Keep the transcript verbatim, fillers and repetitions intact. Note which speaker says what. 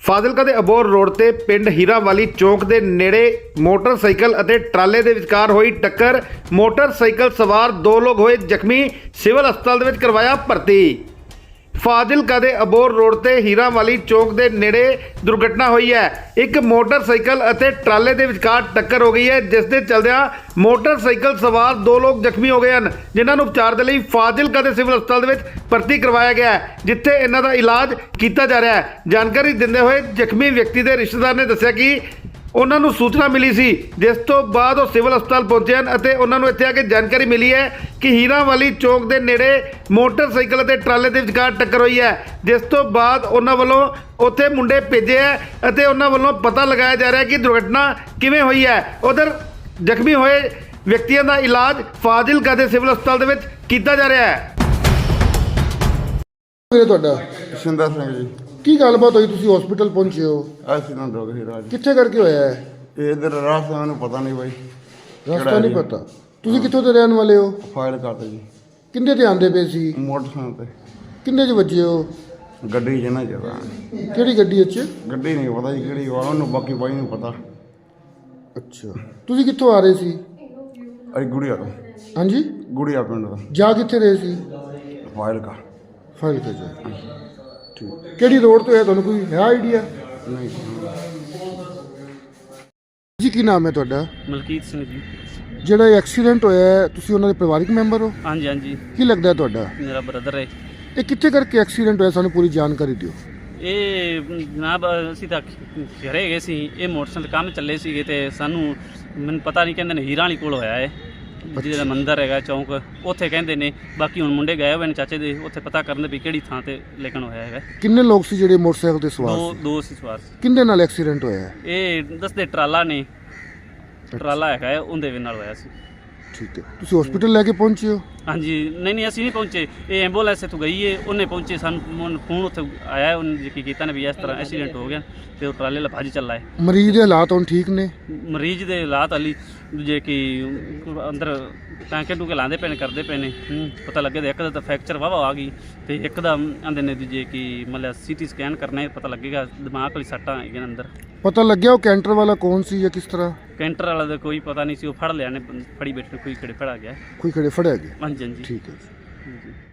Speaker 1: ਫਾਜ਼ਿਲਕਾ ਦੇ ਅਬੋਹਰ ਰੋਡ ਤੇ ਪਿੰਡ ਹੀਰਾਵਾਲੀ ਚੌਂਕ ਦੇ ਨੇੜੇ ਮੋਟਰਸਾਈਕਲ ਅਤੇ ਟਰਾਲੇ ਦੇ ਵਿਚਕਾਰ ਹੋਈ ਟੱਕਰ। ਮੋਟਰਸਾਈਕਲ ਸਵਾਰ ਦੋ ਲੋਕ ਹੋਏ ਜ਼ਖਮੀ, ਸਿਵਲ ਹਸਪਤਾਲ ਦੇ ਵਿੱਚ ਕਰਵਾਇਆ ਭਰਤੀ। ਫਾਜ਼ਿਲਕਾ ਦੇ ਅਬੋਹਰ ਰੋਡ ਤੇ ਹੀਰਾਵਾਲੀ ਚੌਂਕ ਦੇ ਨੇੜੇ ਦੁਰਘਟਨਾ ਹੋਈ ਹੈ। ਇੱਕ ਮੋਟਰਸਾਈਕਲ ਅਤੇ ਟਰਾਲੇ ਦੇ ਵਿਚਕਾਰ ਟੱਕਰ ਹੋ ਗਈ ਹੈ, ਜਿਸ ਦੇ ਚਲਦਿਆਂ ਮੋਟਰਸਾਈਕਲ ਸਵਾਰ ਦੋ ਲੋਕ ਜ਼ਖਮੀ ਹੋ ਗਏ ਹਨ, ਜਿਨ੍ਹਾਂ ਨੂੰ ਉਪਚਾਰ ਦੇ ਲਈ ਫਾਜ਼ਿਲਕਾ ਦੇ ਸਿਵਲ ਹਸਪਤਾਲ ਦੇ ਵਿੱਚ ਭਰਤੀ ਕਰਵਾਇਆ ਗਿਆ ਹੈ, ਜਿੱਥੇ ਇਹਨਾਂ ਦਾ ਇਲਾਜ ਕੀਤਾ ਜਾ ਰਿਹਾ ਹੈ। ਜਾਣਕਾਰੀ ਦਿੰਦੇ ਹੋਏ ਜ਼ਖਮੀ ਵਿਅਕਤੀ ਦੇ ਰਿਸ਼ਤੇਦਾਰ ਨੇ ਦੱਸਿਆ ਕਿ ਉਹਨਾਂ ਨੂੰ ਸੂਚਨਾ ਮਿਲੀ ਸੀ, ਜਿਸ ਤੋਂ ਬਾਅਦ ਉਹ ਸਿਵਲ ਹਸਪਤਾਲ ਪਹੁੰਚੇ ਹਨ ਅਤੇ ਉਹਨਾਂ ਨੂੰ ਇੱਥੇ ਆ ਕੇ ਜਾਣਕਾਰੀ ਮਿਲੀ ਹੈ ਕਿ ਹੀਰਾਵਾਲੀ ਚੌਂਕ ਦੇ ਨੇੜੇ ਮੋਟਰਸਾਈਕਲ ਅਤੇ ਟਰਾਲੇ ਦੇ ਵਿਚਕਾਰ ਟੱਕਰ ਹੋਈ ਹੈ, ਜਿਸ ਤੋਂ ਬਾਅਦ ਉਹਨਾਂ ਵੱਲੋਂ ਉੱਥੇ ਮੁੰਡੇ ਭੇਜੇ ਹੈ ਅਤੇ ਉਹਨਾਂ ਵੱਲੋਂ ਪਤਾ ਲਗਾਇਆ ਜਾ ਰਿਹਾ ਕਿ ਦੁਰਘਟਨਾ ਕਿਵੇਂ ਹੋਈ ਹੈ। ਉਧਰ ਜ਼ਖਮੀ ਹੋਏ ਵਿਅਕਤੀਆਂ ਦਾ ਇਲਾਜ ਫਾਜ਼ਿਲਕਾ ਦੇ ਸਿਵਲ ਹਸਪਤਾਲ ਦੇ ਵਿੱਚ ਕੀਤਾ ਜਾ ਰਿਹਾ ਹੈ।
Speaker 2: ਤੁਹਾਡਾ
Speaker 3: ਸ਼ਿੰਦਾ ਸਿੰਘ ਜੀ।
Speaker 2: ਕੀ ਗੱਲਬਾਤ ਹੋਈ, ਤੁਸੀਂ ਹਸਪੀਟਲ ਪਹੁੰਚੇ ਹੋ?
Speaker 3: ਐਕਸੀਡੈਂਟ ਹੋ ਗਿਆ ਰਾਜ।
Speaker 2: ਕਿੱਥੇ ਕਰਕੇ ਹੋਇਆ ਹੈ?
Speaker 3: ਇਹ ਇਧਰ ਰਾਸਤਾ ਮੈਨੂੰ ਪਤਾ ਨਹੀਂ ਬਾਈ,
Speaker 2: ਰਸਤਾ ਨਹੀਂ ਪਤਾ। ਤੁਸੀਂ ਕਿੱਥੋਂ ਦੇ ਰਹਿਣ ਵਾਲੇ ਹੋ?
Speaker 3: ਫਾਇਲ ਕਰਤਾ ਜੀ।
Speaker 2: ਕਿੰਨੇ ਤੇ ਆਂਦੇ ਪਏ ਸੀ?
Speaker 3: ਮੋਟਰਸਾਈਕਲ ਤੇ।
Speaker 2: ਕਿੰਨੇ ਚ ਵੱਜੇ ਹੋ?
Speaker 3: ਗੱਡੀ ਜਨਾ ਜਗਾ।
Speaker 2: ਕਿਹੜੀ ਗੱਡੀ ਵਿੱਚ?
Speaker 3: ਗੱਡੀ ਨਹੀਂ ਪਤਾ ਜੀ ਕਿਹੜੀ ਵਾ, ਉਹਨੂੰ ਬਾਕੀ ਬਾਈ ਨੂੰ ਪਤਾ।
Speaker 2: ਅੱਛਾ, ਤੁਸੀਂ ਕਿੱਥੋਂ ਆ ਰਹੇ ਸੀ?
Speaker 3: ਅਈ ਗੁੜੀਆ ਤੋਂ।
Speaker 2: ਹਾਂਜੀ,
Speaker 3: ਗੁੜੀਆ ਪਿੰਡ ਦਾ।
Speaker 2: ਜਾ ਕਿੱਥੇ ਰਹੇ ਸੀ?
Speaker 3: ਫਾਇਲ ਕਾ
Speaker 2: ਫਾਈਲ ਤੇ ਜਾ। ਠੀਕ, ਕਿਹੜੀ ਰੋਡ ਤੋਂ ਹੈ, ਤੁਹਾਨੂੰ ਕੋਈ ਹੈ ਆਈਡੀਆ?
Speaker 3: ਨਹੀਂ
Speaker 2: ਜੀ, ਕੀ ਨਾਮ ਹੈ ਤੁਹਾਡਾ?
Speaker 4: ਮਲਕੀਤ ਸਿੰਘ ਜੀ।
Speaker 2: ਜਿਹੜਾ ਇਹ ਐਕਸੀਡੈਂਟ ਹੋਇਆ ਹੈ, ਤੁਸੀਂ ਉਹਨਾਂ ਦੇ ਪਰਿਵਾਰਿਕ ਮੈਂਬਰ ਹੋ?
Speaker 4: ਹਾਂਜੀ ਹਾਂਜੀ,
Speaker 2: ਕੀ ਲੱਗਦਾ ਹੈ ਤੁਹਾਡਾ?
Speaker 4: ਮੇਰਾ ਬ੍ਰਦਰ ਹੈ।
Speaker 2: ਇਹ ਕਿੱਥੇ ਕਰਕੇ ਐਕਸੀਡੈਂਟ ਹੋਇਆ, ਸਾਨੂੰ ਪੂਰੀ ਜਾਣਕਾਰੀ ਦਿਓ।
Speaker 4: ਇਹ ਜਨਾਬ ਅਸੀਂ ਤਾਂ ਘਰੇ ਗਏ ਸੀ, ਇਹ ਮੋਟਰਸਾਈਕਲ ਕੰਮ ਚੱਲੇ ਸੀਗੇ ਤੇ ਸਾਨੂੰ ਮੈਨੂੰ ਪਤਾ ਨਹੀਂ, ਕਹਿੰਦੇ ਨੇ ਹੀਰਾਂ ਵਾਲੀ ਕੋਲ ਹੋਇਆ ਹੈ, ਜਿਹਦਾ ਮੰਦਿਰ ਹੈਗਾ ਚੌਂਕ, ਉੱਥੇ ਕਹਿੰਦੇ ਨੇ। ਬਾਕੀ ਹੁਣ ਮੁੰਡੇ ਗਏ ਹੋਏ ਨੇ ਚਾਚੇ ਦੇ, ਉੱਥੇ ਪਤਾ ਕਰਨ ਦੇ ਵੀ ਕਿਹੜੀ ਥਾਂ ਤੇ ਲੇਕਿਨ ਹੋਇਆ ਹੈਗਾ।
Speaker 2: ਕਿੰਨੇ ਲੋਕ ਸੀ ਜਿਹੜੇ ਮੋਟਰਸਾਈਕਲ ਤੇ ਸਵਾਰ
Speaker 4: ਦੋ
Speaker 2: ਸੀ?
Speaker 4: ਦੋ ਸੀ ਸਵਾਰ ਸੀ।
Speaker 2: ਕਿੰਦੇ ਨਾਲ ਐਕਸੀਡੈਂਟ ਹੋਇਆ ਹੈ?
Speaker 4: ਇਹ ਦੱਸਦੇ ਟਰਾਲਾ ਨੇ, ਟਰਾਲਾ ਹੈਗਾ ਹੈ, ਉਹਦੇ ਨਾਲ ਹੋਇਆ ਸੀ।
Speaker 2: ਠੀਕ ਹੈ, ਤੁਸੀਂ ਹਸਪੀਟਲ ਲੈ ਕੇ ਪਹੁੰਚੇ ਹੋ?
Speaker 4: ਹਾਂਜੀ, ਨਹੀਂ ਨਹੀਂ ਅਸੀਂ ਨਹੀਂ ਪਹੁੰਚੇ, ਇਹ ਐਂਬੂਲੈਂਸ ਇੱਥੋਂ ਗਈ ਹੈ, ਉਹਨੇ ਪਹੁੰਚੇ, ਸਾਨੂੰ ਫੋਨ ਉੱਥੇ ਆਇਆ, ਉਹਨੇ ਕੀ ਕੀਤਾ ਨੇ ਵੀ ਇਸ ਤਰ੍ਹਾਂ ਐਕਸੀਡੈਂਟ ਹੋ ਗਿਆ ਤੇ ਉਹ ਟਰਾਲੇ ਵਾਲਾ ਭੱਜ ਚੱਲਾ ਹੈ।
Speaker 2: ਮਰੀਜ਼ ਦੇ ਹਾਲਾਤ ਹੁਣ ਠੀਕ ਨੇ?
Speaker 4: ਮਰੀਜ਼ ਦੇ ਹਾਲਾਤ ਹਾਲੀ ਜੇ ਕਿ ਅੰਦਰ ਟਾਂਕੇ ਟੂਕੇ ਲਾਉਂਦੇ ਪਏ ਨੇ, ਕਰਦੇ ਪਏ ਨੇ। ਪਤਾ ਲੱਗੇ ਤਾਂ ਇੱਕ ਦਾ ਤਾਂ ਫ੍ਰੈਕਚਰ ਵਾਵਾ ਆ ਗਈ ਤੇ ਇੱਕ ਦਾ ਆਂਦੇ ਨੇ ਜੇ ਕਿ ਮਤਲਬ ਸੀਟੀ ਸਕੈਨ ਕਰਨਾ, ਪਤਾ ਲੱਗੇਗਾ ਦਿਮਾਗ ਵਾਲੀ ਸੱਟਾਂ ਹੈਗੀਆਂ ਅੰਦਰ।
Speaker 2: ਪਤਾ ਲੱਗਿਆ ਉਹ ਕੈਂਟਰ ਵਾਲਾ ਕੌਣ ਸੀ ਜਾਂ ਕਿਸ ਤਰ੍ਹਾਂ?
Speaker 4: ਕੈਂਟਰ ਵਾਲਾ ਦਾ ਕੋਈ ਪਤਾ ਨਹੀਂ ਸੀ, ਉਹ ਫੜ ਲਿਆ ਨੇ, ਫੜੀ ਬੈਠੇ ਕੋਈ ਕਿਹੜੇ ਫੜਾ ਗਿਆ।
Speaker 2: ਕੋਈ ਖੜੇ ਫੜਿਆ ਗਿਆ?
Speaker 4: ਹਾਂਜੀ ਹਾਂਜੀ,
Speaker 2: ਠੀਕ ਹੈ ਜੀ।